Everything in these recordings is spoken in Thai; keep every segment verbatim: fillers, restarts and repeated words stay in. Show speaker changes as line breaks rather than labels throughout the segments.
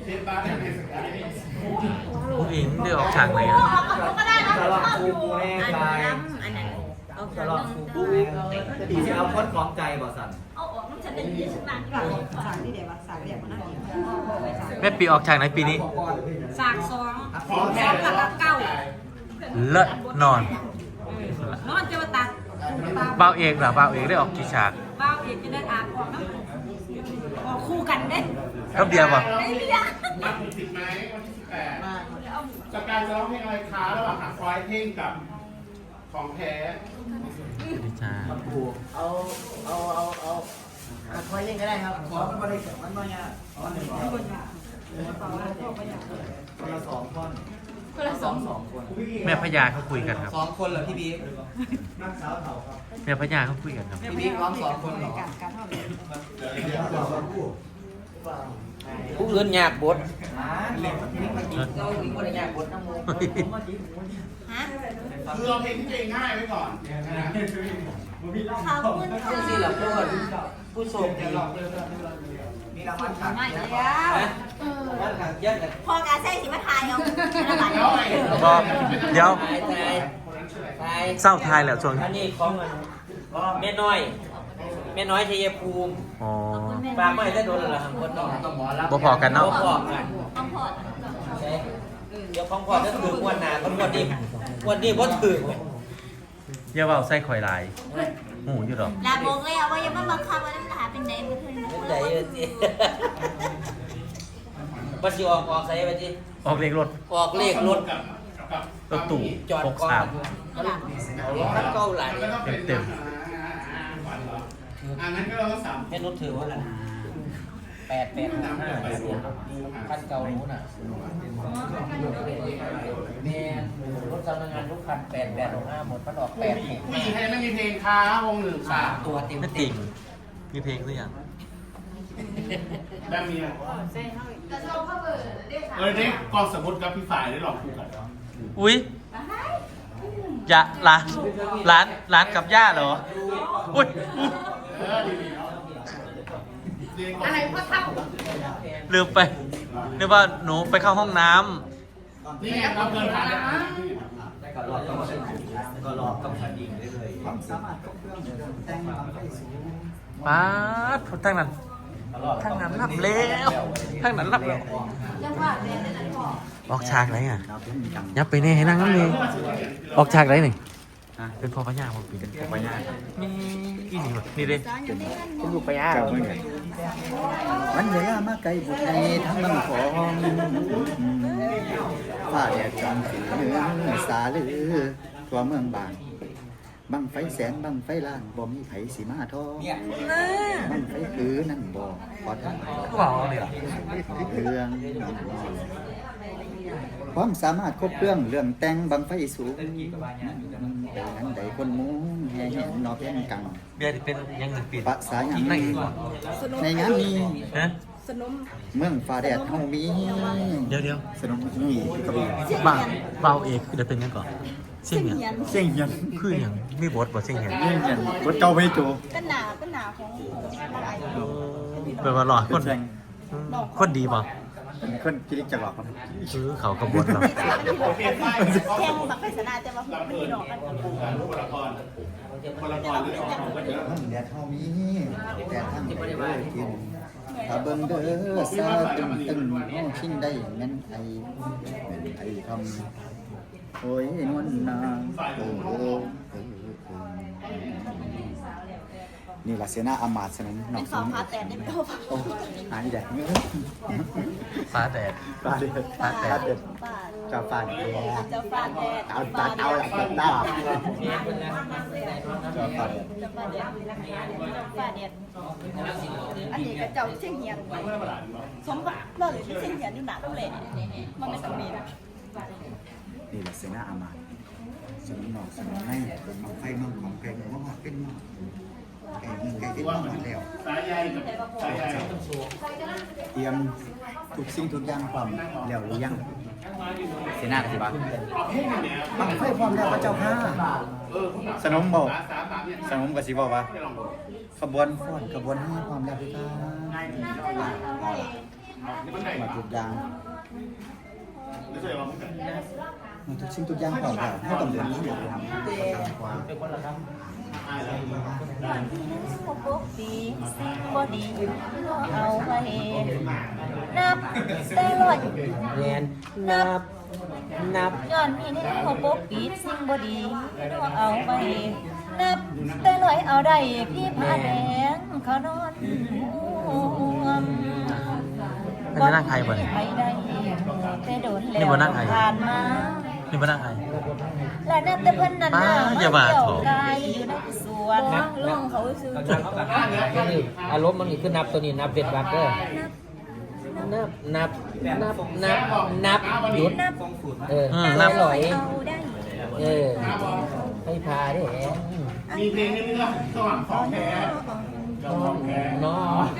ผู้หญิงเดือออกฉากไหนอ่ะ
ก็ได้นะ
สำหรับครูกูแน่ใจ
อันนั้นเอา
สำหรับครูกูแน่ปีที่เอาคนของใจบ่สัน
เอาออกมันจะเป็นยี่สิบบาท
สากที่เดี๋ยวสากเดี๋ยวมันน่ากิน
แม่ปีออกฉากไหนปีนี้
สากสองสองกับเก้า
เลิศนอน
นอนจะมาตัด
เบาเอกเหรอเบาเอกได้ออกกี่ฉาก
บ้าเอกจะได้อาบออกน้ำออกคู่กันเด้
ครับเดียวป่ะ
ไอ้เบี้ย
มาถึงสิบไหมวันที่สิบแปดจากการจะร้องเพลงอะไรคะระหว่างหาควายเท่งกับของแท้
ดีจ้า
เอาเอาเอาเอาคอยเล่นก็ได้ครับ
ขอมันมาได้มันมาเนี่ยอ๋อหนึ่งคนคนละสองคนคนละสองสองคน
แม่พญาเขาคุยกันครับ
สองคนเหรอพี่บิ๊ก
แม่พญาเขาคุยกันครับ
พี่บิ๊กร้องสองคนเหรอ
การการทอดเลย
ผู้อื่นยากบด
อ่าเล่นมันนี่มันกินเราอีกคนละยากบดน้ำมูก
ฮะ
คือเอาเพลงที่ตัวเองง่ายไว้ก่อน
เขาคุณ
เรื่องที่เราพูดผู้โชคดี
มีรางวัลขัง
ไม่
นะ
แล้ว
รางวัลขังเยอะเลย
พอกาใส่สิมาทายเอา
บอกเดี๋ยว
ตายตายตาย
เศร้าทายแล้วช่วง
อั
นี้
นนี้ของมันแม่น้อยแม่น้อยชัยภูมิ
อ๋อ
ปากไม่ได้โดนหรอครับคนน้อง
บ่พอกันเนาะ
บ่พอกัน
ต้องพอด
ใช่เดี๋ยวของพ่อจะถือวันหนาคนวันนี้วันนี้บ่ถือ
อย่าเบาใส่ข่อยหลายหูอยู่หรอก
ลาบอกเลยว่ายังไม่บังคับว่าจะหาเป็นไหนเป็น
เป็นใจเลยสิบัสิออกออกใส่ไปสิ
ออกเลขรถ
ออกเลขรถ
กับกับ
รถตู่
จอด
หก
ก่อน
สาม
เอารถคันเก่าหลาย
เต็ม
อ่างั้นก็เราต้องสาม
แม่นุชถือว่าอะไรแปดแปดห้าคันเก่านู้นน่ะแม่รถสำนักงานทุกคันแปดแปดหกห้าหมดพันออกแปดหก
ผู้หญิงใครไม่มีเพลงค้าวงหนึ่ง
สา
สาม ม
ตัวเต็ม
ไม่
เต็
ติ่
ม
งมีเพลงหรือยัง
แบบมีเออเด็กกองสมุดกับพี่ฝ่ายได้หลอกคู่กัน
อุ้ยอย่าร้านร้านร้านกับย่าเหรออุ้ย
เออดีๆเนาะอะไรพ่อเท่า
ลืมไปนึกว่าหนูไปเข้าห้องน้
นี่ไงเราเดินผ่าน
ก็รอบต้องก็รอบต้องคดีได้เลยความสามารถก็เรื่องแต่งความไปสูง
ำป๊าดทั้งนั้นทั้งนั้นรับแล้วทั้งนั้นรับแล้วออกฉากไหนอ่ะยับไปเนี่ยให้นั่งน้ำเลยออกฉากไหนหนึ่งเป็นพ่อพญาพ่อปีเป็นพ่อพญานี่อีนี่วะนี่เด้เป็นลูกพญา
มันเหลือมาไกลบุตรในทั้งบังของฝ้าแดดจันทร์สีเหนือสาลือตัวเมืองบางบังไฟแสนบังไฟล่างบ่มีไผสีมาทองบังไฟคือนั่นบ่พอทั้ง
ก็บอกเลยเหรอ
เรื่องความสามารถครบเครื่องเรื่องแต่งบังไฟสูงแต่นั้นใดคนมุ้งแห่แห่นอเพียงกัง
เบียร์ที่เป็นยังหนึ่งปี
ภาษาหยัง
นั่งเองก่อน
ในงานนี้
ฮะ
เมืองฟ้าแดดเฮามี
เดี๋ยวเดี๋ยว
สนมนี่กระบี่
บ้าเบาเอกเดี๋ยวเป็นยังก่อนเสียงยัง
เสียงยัน
คือยังมีบทบทเสียงยัง
เสียงยันบทเก่าไปโจ
เป็นหนาเป็นหนาของอะไร
เป็นว่าหล่อคน
แสง
คนดีป่ะ
เป็นคนกิริจักรหรอกครับ
คือเขากระบวนเรา
โอเคไฟ
แข่งบักไปสนาแต่ว่า
ลำ
ไม่
เพลิ
มี
น
ดอกกัน
คู่กันคนละครคนละครหรือออกของก็เยอะ
เมืองแดดเฮามีแต่ทางไปเด้อกินถ้าเบิ่งเด้อซาตึงตึงเฮาชิงได้แม่นไอแม่นไอคำโอ้ยนวลนางโอ้โหนี่ล่ะเสนาอามาตย์สนมน้
เป็
อง
น
ส
สอง
ม
พาแต่ได้ไม่พอ
โอ้หายแดดเงื้อ
ฟ้าแดด
ปลาเด็ดปลาเด็ด
ป้า
เจ้าปลาเด็ด
เจ้าฟาดแดด
เอาตาเอาหลักตาเจ้าปลาเด็ด
เจ้าฟาดแดดเจ้าฟาดแดดอันนี้ก็เจ้าเชียงเฮียนสมบัติเราเลยเชียงเฮียนอยู่หนาต้องเลยมันไม่ต้องมีนะ
นี่แหละเสนาอามาตย์สนมน้องสนมในผมเอาไฟน้องของแกงมาหอดเป็นน้องแกงแกงที่น้องหอดแล้ว
สายใยกับสายใย
เตรียมทุกสิ่งทุกอย่างพร้อมแล้วหรือยังเสนาสิบะบังไฟพร้อมแล้วพระเจ้าค่ะสนมบอกสนมกับสิบอกว่าขบวนฟ้อนขบวนนี้พร้อมแล้วพี่ค่ะ
มันไหน
มาทุกอย่าง
ไม่ใช่ว่ามันไหน
มันทุกสิ่งทุกอย่างของเราให้ต้องเดินที่เดียวกันกว่า
เป็นคนละครับ
ปกติสิ่งบ่ดีเอาไว้นับแต่ลอย
เรียนนับนับ
ย้อนมีแนวปกปิดสิ่งบ่ดีเอาไว้นับแต่ลอยเอาได้พี่ผ้าแดงเขานอนห่วง
อันนี้นั่งใครบ่เนี่ย
ไปได้แต่โดนแล้ว
นี่บ่นั่งใคร
ผ่านมา
นี่มานั่งใคร
และนับแต่เพิ่นนั้นน่ะ
ป้าอย่ามา
เกี่ยว
โถ
กายอยู่ในสวนล่องเขาซื้อ
นับก็คืออารมณ์มันคือนับตัวนี้นับเป็นวักเด้อนับนับนับนับนับหยุดเออ
อืม
นั
นั
บบ หลอย
เอาได้
เออให้พาได้แหม
มีเพลงนี้มั้ยล่ะสว่างของแท้ของแท้
น้อ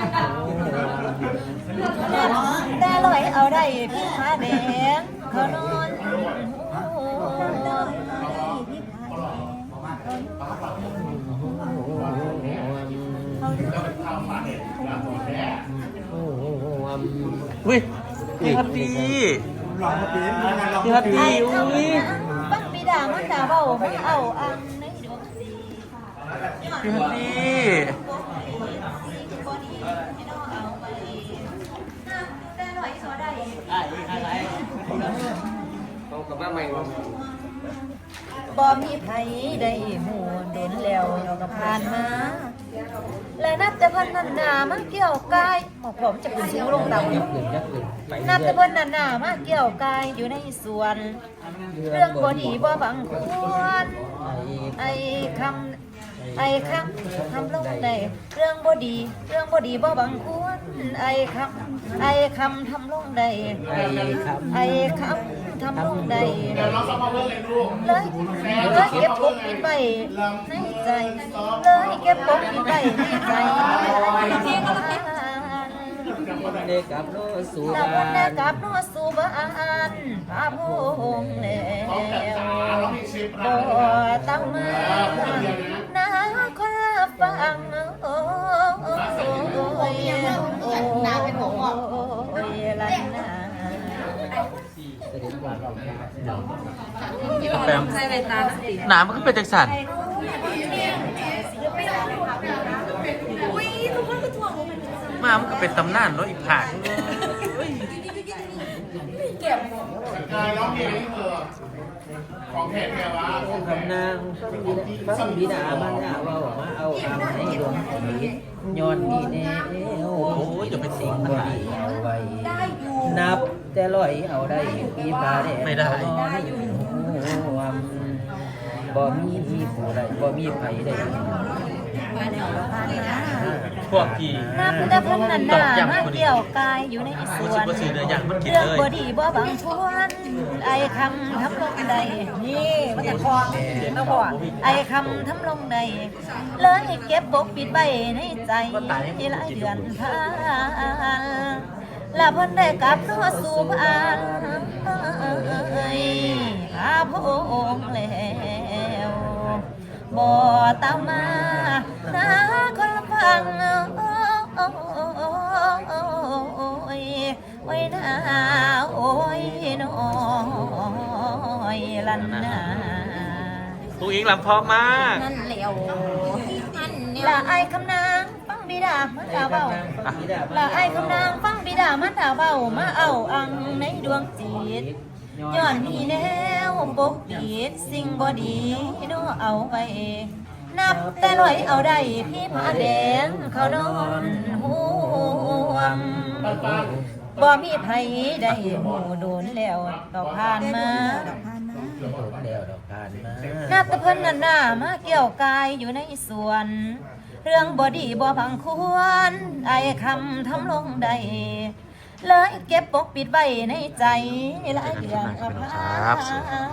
แต่ลอยเอาได้พี่ผ้าแดงเขานอน
อุ้ยพี่ฮัตตี้พี่ฮัตตี้อุ้ย
บังปีดามันดาเบาไม่เอาอังในดวงสี
พี่ฮัตตี้
แต่ลอยเอาได้
เขากับว่าไม่
บ่มีไผได้หูเด่นแล้วเดี๋ยวก็ผ่านมา และนับแต่เพิ่นนันหนามาเกี่ยวกายบอกผมจะขึ้นสูงลงต่ำ
ยักหนึ่งยักหนึ่งไป
นับ
เรื่
แต่
อย
เพิ่นนันหนามาเกี่ยวกายอยู่ในสวน เรื่องบ่ดีบ่บังควร ไอ้คำไอ้คำทำลงได้เรื่องบ่ดี เรื่องบ่ดีบ่บังควร ไอ้คำไอ้คำทำลงได้
ไอ้คำ
ไอ้คำทำลงได้
เดี๋ยวเราซ้อมมาเพิ่มเลยลูก
เลยเลยเก็บปกปิดไว้ในใจเลยเก็บปกปิดไว้ในใจ
เด็กกับโลสู
แล้ว
บา
วันนี้
น
กลับนอสู่บ้านพาพงแล้วบ่ตั้งมานาคนละฟังโอ้ยนาเป็นหัวงอกโอ้ยลันนา
เสด็จกว่าเรา
แปมหนามันก็เป็นจังสันมามันก็เป็นตำนานเนาะอีกผาก
กายร้องเพลงนี้เถอะของแท้แกวะของแท้
คำนางฟังบิดามันเนี่ยว่ามาเอาอาให้ดวงผีย้อนนี่แน่โอ้โหจะเป็นสิ่งบ่ดีเอาไว้นับแต่ลอยเอาได้ปีพาแดงบ่มีมีผู้ใดบ่มีไผใด
พวกพี่
นับแต่เพิ่นนันหนามาเกี่ยวกายอยู่ในส
กู
ว
สิ
น
บ่ซื้อเนื้อย่างมันกิน
เรื่อง
เลย
บ่ดีบ่บางชวนไอ้คำทำลงใดนี่มันจะคลองนะพ่อไอ้คำทำลงใดเลยเก็บปกปิดไว้ในใจที่หลายเดือนผ่านและเพิ่นได้กลับนอสู่บ้านพาพงแล้วบ่ตามมานาคนละฟังโอ้ยโอ้ยนาโอ้ยน้อยลันนา
ตูอิงลำพร้อมมาก
นั่นเหลวละไอ้คำนางฟังบิดามันดาเบาละไอ้คำนางฟังบิดามันดาเบามาเอาอังในดวงจิตย้อนมีแนวปกปิดสิ่งบ่ดีโนเอาไว้นับแต่ลอยเอาได้พี่ผ้าแดงเขานอนห่วงบ่มีไผได้หูโดนแล้วดอกผ่านมา
เดียวดอกทานมา
นับแต่เพิ่นนั่นน่ะมาเกี่ยวกายอยู่ในสวน เรื่องบ่ดีบ่พังควรไอ้คำทำลงใดเลยเก็บปกปิดไว้ในใจหลายเดือนผ่าน